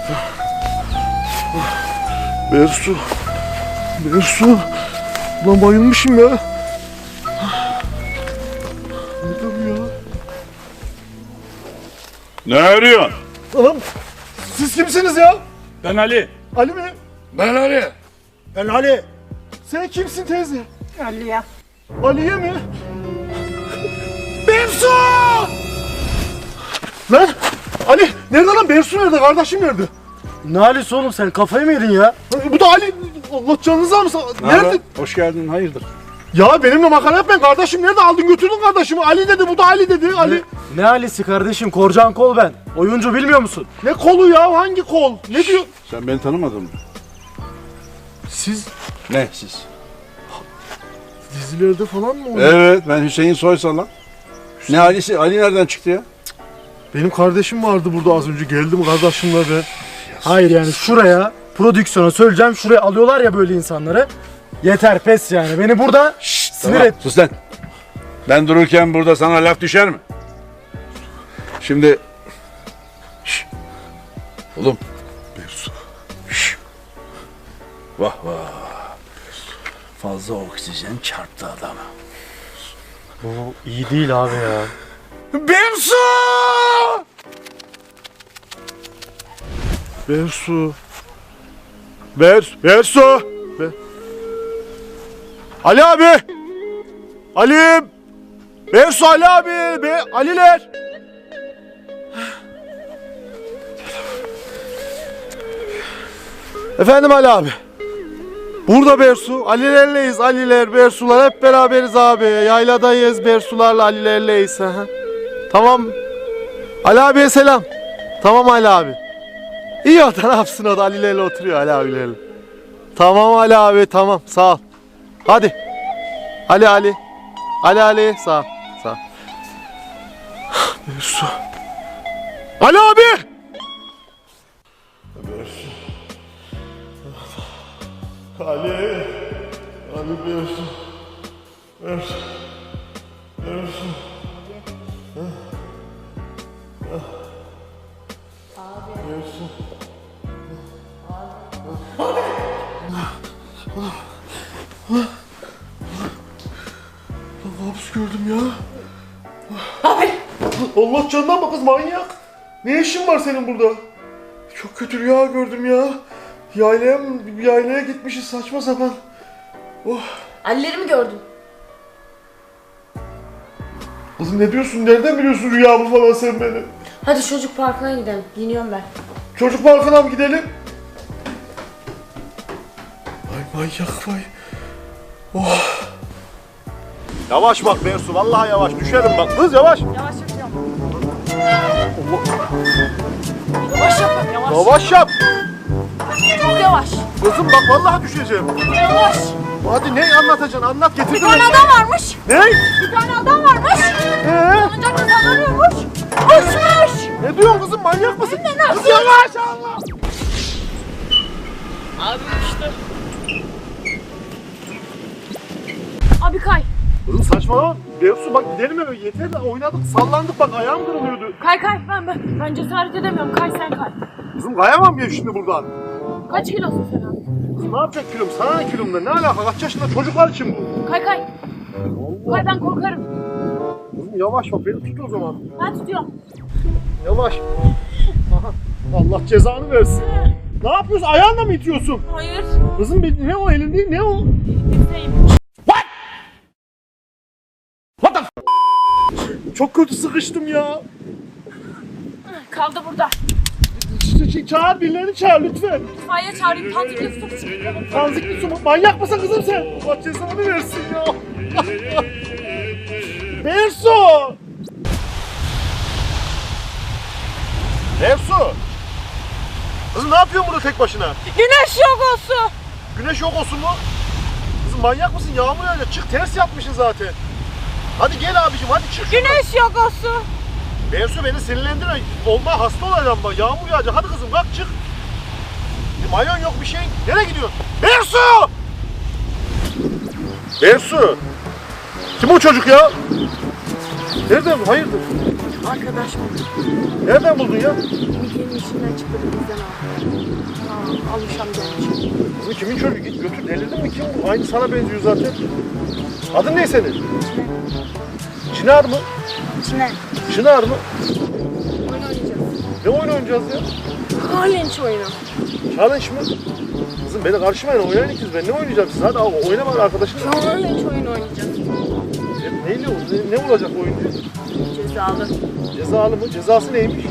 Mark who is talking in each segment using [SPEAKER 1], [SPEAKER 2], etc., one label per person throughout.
[SPEAKER 1] Bersu. Bersu. Ulan bayılmışım ya. Nerede bu ya?
[SPEAKER 2] Ne arıyorsun?
[SPEAKER 1] Anam siz kimsiniz ya?
[SPEAKER 2] Ben Ali.
[SPEAKER 1] Ali mi?
[SPEAKER 2] Ben Ali.
[SPEAKER 1] Ben Ali. Sen kimsin teyze?
[SPEAKER 3] Aliye.
[SPEAKER 1] Aliye mi? Bersu! Lan Ali nerede lan? Bersu nerede? Kardeşim nerede?
[SPEAKER 4] Ne Ali'si oğlum, sen kafayı mı yedin ya?
[SPEAKER 1] Bu da Ali. Allah canınızı almasın. Nerede?
[SPEAKER 2] Hoş geldin, hayırdır?
[SPEAKER 1] Ya benimle makara yapmayın. Kardeşim nerede? Aldın götürdün kardeşimi. Ali dedi. Bu da Ali dedi. Ali.
[SPEAKER 4] Ne Ali'si kardeşim? Korcan Kol ben. Oyuncu bilmiyor musun?
[SPEAKER 1] Ne kolu ya? Hangi kol? Ne diyor?
[SPEAKER 2] Sen beni tanımadın mı?
[SPEAKER 1] Siz
[SPEAKER 2] Ne siz?
[SPEAKER 1] dizilerde falan mı oynuyorsunuz?
[SPEAKER 2] Evet, ben Hüseyin Soysal lan. Ne Ali'si? Ali nereden çıktı ya?
[SPEAKER 1] Benim kardeşim vardı burada az önce. Geldim kardeşimle ben.
[SPEAKER 4] Hayır yani şuraya prodüksiyona söyleyeceğim, şuraya alıyorlar ya böyle insanları. Yeter, pes yani. Beni burada sinir
[SPEAKER 2] Tamam,
[SPEAKER 4] et.
[SPEAKER 2] sus lan. Ben dururken burada sana laf düşer mi? Şimdi... Şşş. Oğlum.
[SPEAKER 1] Bersu.
[SPEAKER 2] Şşş. Vah vah. Fazla oksijen çarptı adama.
[SPEAKER 4] Bu iyi değil abi ya.
[SPEAKER 2] Bersu!
[SPEAKER 1] Bersu. Bersu. Ali abi. Ali. Bersu Ali abi. Aliler. Efendim Ali abi. Burada Bersu. Alilerleyiz. Aliler, Bersular hep beraberiz abi. Yayladayız. Bersularla Alilerleyiz. Hı hı. Tamam. Ali abiye selam. Tamam Ali abi. İyi o da ne yapsın, o da Ali'lerle oturuyor Ali abilerle. Tamam Ali abi, tamam, sağ ol. Hadi. Ali. Ali sağ ol. Sağ ol. Bersu. Ali abi. Bersu. Ali Bersu. Bersu. Hapis gördüm ya.
[SPEAKER 3] Abi.
[SPEAKER 1] Allah canından bak kız, manyak. Ne işin var senin burada? Çok kötü rüya gördüm ya. Yaylaya gitmişiz saçma sapan. Oh.
[SPEAKER 3] Ali'lerimi gördüm.
[SPEAKER 1] Kızım ne diyorsun? Nereden biliyorsun rüyamı falan sen benim?
[SPEAKER 3] Hadi çocuk parkına gidelim. Giyiniyorum ben.
[SPEAKER 1] Çocuk parkına mı gidelim? Vay manyak vay. Oh. Yavaş bak Bersu, vallahi yavaş. Düşerim bak. Kız yavaş.
[SPEAKER 3] Yavaş yapacağım. Yavaş yap. Yavaş.
[SPEAKER 1] Yavaş yap.
[SPEAKER 3] Çok yavaş.
[SPEAKER 1] Kızım bak vallahi düşeceğim.
[SPEAKER 3] Yavaş.
[SPEAKER 1] Hadi ne anlatacaksın? Anlat, getir.
[SPEAKER 3] Bir tane adam varmış.
[SPEAKER 1] Ne?
[SPEAKER 3] Bir tane adam varmış. Sonunca kazanıyormuş. Uçmuş.
[SPEAKER 1] Ne diyorsun kızım? Manyak mısın?
[SPEAKER 3] Ne nasıl?
[SPEAKER 1] Kız yavaş Allah.
[SPEAKER 3] Abi işte. Abi kay.
[SPEAKER 1] Kızım saçmalama. Bersu bak gidelim eve. Yeter de oynadık, sallandık bak, ayağım kırılıyordu.
[SPEAKER 3] Kay. Ben cesaret edemiyorum. Kay sen kay.
[SPEAKER 1] Kızım kayamam ya şimdi buradan.
[SPEAKER 3] Kaç kilosun sen abi?
[SPEAKER 1] Kızım ne yapacak kilom? Sana ne kilomda? Ne alaka? Kaç yaşında çocuklar için bu?
[SPEAKER 3] Kay. Kay ben korkarım.
[SPEAKER 1] Kızım yavaş bak, beni tut o zaman.
[SPEAKER 3] Ben tutuyorum.
[SPEAKER 1] Yavaş. Aha. Allah cezanı versin. Ne yapıyorsun? Ayağınla mı itiyorsun?
[SPEAKER 3] Hayır.
[SPEAKER 1] Kızım ne o, elin değil, ne o?
[SPEAKER 3] Bizdeyim.
[SPEAKER 1] What the Çok kötü sıkıştım ya.
[SPEAKER 3] Kaldı burada.
[SPEAKER 1] Çağır, birilerini çağır lütfen.
[SPEAKER 3] İtfaiye çağırayım. Tanzikli su çıkaralım.
[SPEAKER 1] Tanzikli su mu? Manyak mısın kızım sen? Allah cezanı versin ya. Bersu! Bersu! Kızım ne yapıyorsun burada tek başına?
[SPEAKER 3] Güneş yok olsun.
[SPEAKER 1] Güneş yok olsun mu? Kızım manyak mısın? Yağmur yağacak. Çık, ters yapmışsın zaten. Hadi gel abicim, hadi çık şuradan.
[SPEAKER 3] Güneş yok olsun.
[SPEAKER 1] Bersu beni sinirlendirme. Olma, hasta olacağım bak. Yağmur yağacak. Hadi kızım kalk çık. Mayon yok bir şey. Nereye gidiyorsun? Bersu! Bersu! Kim o çocuk ya? Nerede bu? Hayırdır?
[SPEAKER 3] Arkadaş mı?
[SPEAKER 1] Nereden buldun ya?
[SPEAKER 3] Midyenin içinden çıktı bizden aldı. Alışam gelmiş.
[SPEAKER 1] Kızım kimin çocuğu? Git götür. Delirdin mi? Kim bu? Aynı sana benziyor zaten. Adın ne senin? Çınar mı?
[SPEAKER 3] İçine
[SPEAKER 1] Çınar mı?
[SPEAKER 3] oyun oynayacağız.
[SPEAKER 1] Ne oyun oynayacağız ya?
[SPEAKER 3] Challenge oyunu.
[SPEAKER 1] Challenge mı? Kızım beni karışmayın, oynayın ikiniz. Ben ne oynayacağım siz? Hadi abi oyna bak arkadaşım.
[SPEAKER 3] Challenge oyunu oynayacağız.
[SPEAKER 1] Ne olacak oyun?
[SPEAKER 3] Cezalı.
[SPEAKER 1] Cezalı mı? Cezası neymiş?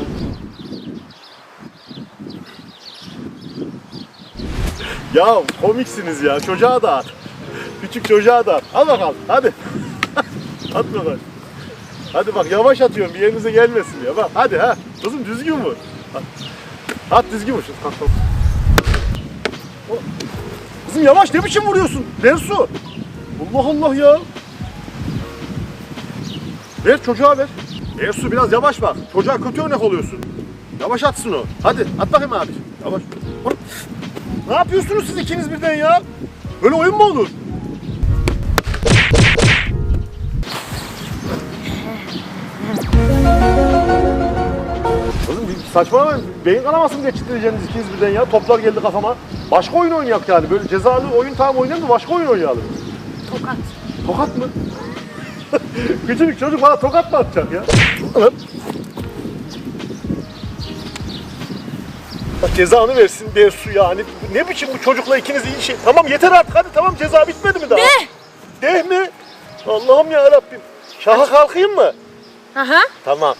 [SPEAKER 1] Ya komiksiniz ya. Çocuğa da at. Küçük çocuğa da at. Al bakalım hadi. At bakalım. Hadi bak yavaş atıyorum bir yerinize gelmesin ya. Bak hadi ha. Kızım düzgün vur. At düzgün vur. Kalk, kalk. Kızım yavaş ne biçim vuruyorsun? Bersu. Allah Allah ya. Ver çocuğa ver. Bersu biraz yavaş bak. Çocuğa kötü örnek oluyorsun. Yavaş atsın o. Hadi at bakayım abi. Yavaş. Ne yapıyorsunuz siz ikiniz birden ya? Böyle oyun mu olur? Kızım bir saçmalamayın. Beyin kanamasını geçireceksiniz ikiniz birden ya. Toplar geldi kafama. Başka oyun oynayak yani. Böyle cezalı oyun tamam oynayalım da başka oyun oynayalım.
[SPEAKER 3] Tokat.
[SPEAKER 1] Tokat mı? Küçücük çocuk bana tokat mı atacak ya? Lan. Bak cezanı versin Bersu yani. Ne biçim bu çocukla ikiniz iyi şey. Tamam yeter artık hadi tamam ceza bitmedi mi daha? De mi? Allah'ım ya Rabbim. Şaha kalkayım mı?
[SPEAKER 3] Aha.
[SPEAKER 1] Tamam.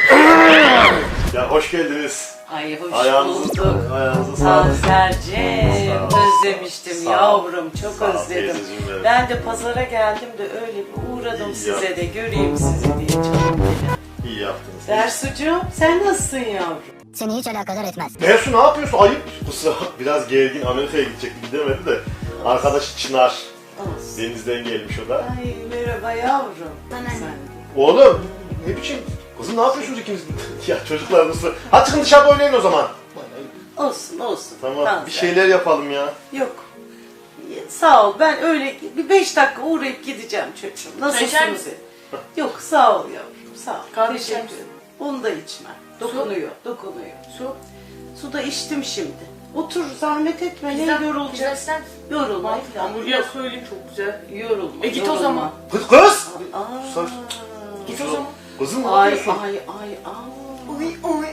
[SPEAKER 1] Ya hoş geldiniz.
[SPEAKER 5] Ay hoş
[SPEAKER 1] Ayağınızı,
[SPEAKER 5] bulduk.
[SPEAKER 1] ayağınızı sağlık.
[SPEAKER 5] Tanserciğim,
[SPEAKER 1] Sağ ol.
[SPEAKER 5] özlemiştim
[SPEAKER 1] Sağ ol.
[SPEAKER 5] yavrum, çok
[SPEAKER 1] Sağ ol
[SPEAKER 5] özledim.
[SPEAKER 1] teyzeciğim benim.
[SPEAKER 5] Ben de pazara geldim de öyle bir uğradım
[SPEAKER 1] İyi
[SPEAKER 5] size de, göreyim sizi diye canım benim.
[SPEAKER 1] İyi yaptınız.
[SPEAKER 5] Dersucuğum, sen nasılsın yavrum?
[SPEAKER 6] Seni hiç alakadar etmez.
[SPEAKER 1] Bersu ne yapıyorsun? Ayıp. Kusura bak biraz gergin Amerika'ya gidecekti gidemedi de. Arkadaş Çınar.
[SPEAKER 5] Olsun.
[SPEAKER 1] Denizden gelmiş o da.
[SPEAKER 5] Ay merhaba yavrum. Sen.
[SPEAKER 1] Oğlum ne biçim? Kızım ne yapıyorsunuz ikiniz? Ya çocuklar nasıl? Hadi çıkın dışarıda oynayın o zaman.
[SPEAKER 5] Olsun olsun.
[SPEAKER 1] Tamam
[SPEAKER 5] Tanser.
[SPEAKER 1] bir şeyler yapalım ya.
[SPEAKER 5] Yok. Sağ ol, ben öyle bir 5 dakika uğrayıp gideceğim çocuğum. Nasılsınız? Yok sağ ol yavrum, sağ ol.
[SPEAKER 3] Kahve
[SPEAKER 5] Teşekkür
[SPEAKER 3] içer
[SPEAKER 5] ederim. Onu da içmem. Dokunuyor, dokunuyor.
[SPEAKER 3] Su.
[SPEAKER 5] Su da içtim şimdi. Otur zahmet etme. Ne
[SPEAKER 3] Pizza
[SPEAKER 5] yorulacak?
[SPEAKER 3] ister misin?
[SPEAKER 5] Yorulma.
[SPEAKER 3] Hamburger söyleyeyim çok güzel.
[SPEAKER 5] Yorulma.
[SPEAKER 3] Git o
[SPEAKER 5] yorulma.
[SPEAKER 3] zaman.
[SPEAKER 1] Kız!
[SPEAKER 5] Aa.
[SPEAKER 1] Sus.
[SPEAKER 3] Git o zaman.
[SPEAKER 1] Kızım ne
[SPEAKER 5] Ay
[SPEAKER 1] yapıyorsun?
[SPEAKER 5] ay ay ay.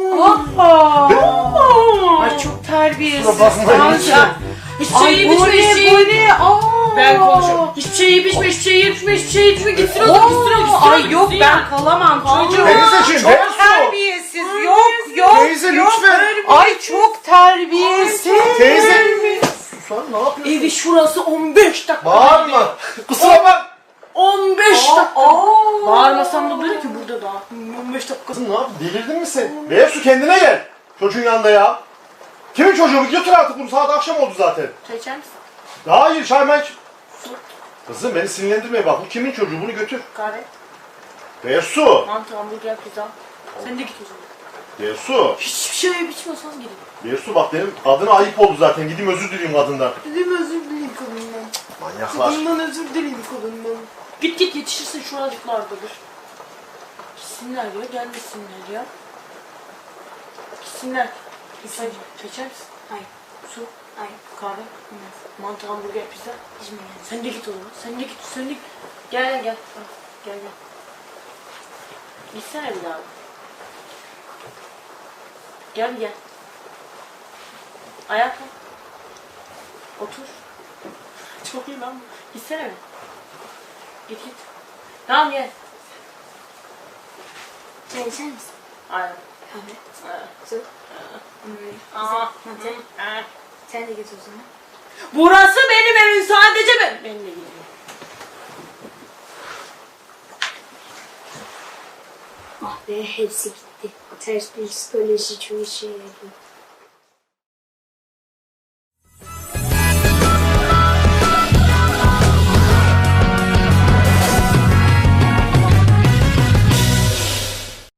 [SPEAKER 5] Ay çok terbiyesiz.
[SPEAKER 1] Kusura bakmayın.
[SPEAKER 5] Tanser.
[SPEAKER 3] Hiçbir şey yiyip
[SPEAKER 5] bu
[SPEAKER 3] içme, hiçbir şey
[SPEAKER 5] ne, bu
[SPEAKER 3] yiyip.
[SPEAKER 5] ne? Aa.
[SPEAKER 3] Ben konuşuyorum. Hiçbir şey yiyip içme, hiçbir şey yiyip içme, hiçbir şey yiyip içme. Gitsin o zaman, gitsin o, gitsin o.
[SPEAKER 5] Ay yok ben kalamam çocuğum.
[SPEAKER 1] Teyzeciğim,
[SPEAKER 5] Çok
[SPEAKER 1] Bersu.
[SPEAKER 5] terbiyesiz. Yok.
[SPEAKER 1] Teyze lütfen.
[SPEAKER 5] Ay çok terbiyesiz.
[SPEAKER 1] Teyze. Susan ne yapıyorsun?
[SPEAKER 3] Evi şurası 15 dakika.
[SPEAKER 1] Bağırma. Kusura bak.
[SPEAKER 3] 15 dakika. Bağırmasam da böyle ki burada daha. 15 dakika.
[SPEAKER 1] Kızım ne yapıyorsun? Delirdin mi sen? Bersu kendine gel. Çocuğun yanında ya. Kimin çocuğu? Götür artık bunu. Saat akşam oldu zaten.
[SPEAKER 3] Çay içer misin?
[SPEAKER 1] Hayır çay mı iç? Kızım beni sinirlendirme bak. Bu kimin çocuğu? Bunu götür.
[SPEAKER 3] Kahve.
[SPEAKER 1] Bersu.
[SPEAKER 3] Mantı, hamburger, pizza. Sen de git o zaman.
[SPEAKER 1] Bersu.
[SPEAKER 3] Hiçbir şey yiyip içmiyorsan gidin.
[SPEAKER 1] Bersu bak benim adına ayıp oldu zaten. Gideyim özür dileyim kadından.
[SPEAKER 3] Dedim özür dileyim kadından.
[SPEAKER 1] Manyaklar.
[SPEAKER 3] Kadından özür dileyim kadından. Git git yetişirsin şuracıklardadır. Gitsinler ya, gelmesinler ya. Gitsinler. Çay içer misin? Hayır. Su? Hayır. Kahve? Mantı, hamburger, pizza? İçmeyeyim. Sen de git o zaman. Sen de git, sen de git. Gel gel gel. Al, gel gel. Gitsene bir daha. Gel gel. Ayakla. Otur. Çok iyi lan bu. Gitsene mi? Git git. Tamam gel.
[SPEAKER 6] Çay içer misin?
[SPEAKER 3] Aynen.
[SPEAKER 6] Kahve. Su.
[SPEAKER 3] Aa.
[SPEAKER 6] Mantı. Sen de git o zaman.
[SPEAKER 3] Burası benim evim sadece ben. Ben de gidiyorum.
[SPEAKER 6] Ah be hepsi gitti. Ters bir psikoloji çok işe yarıyor.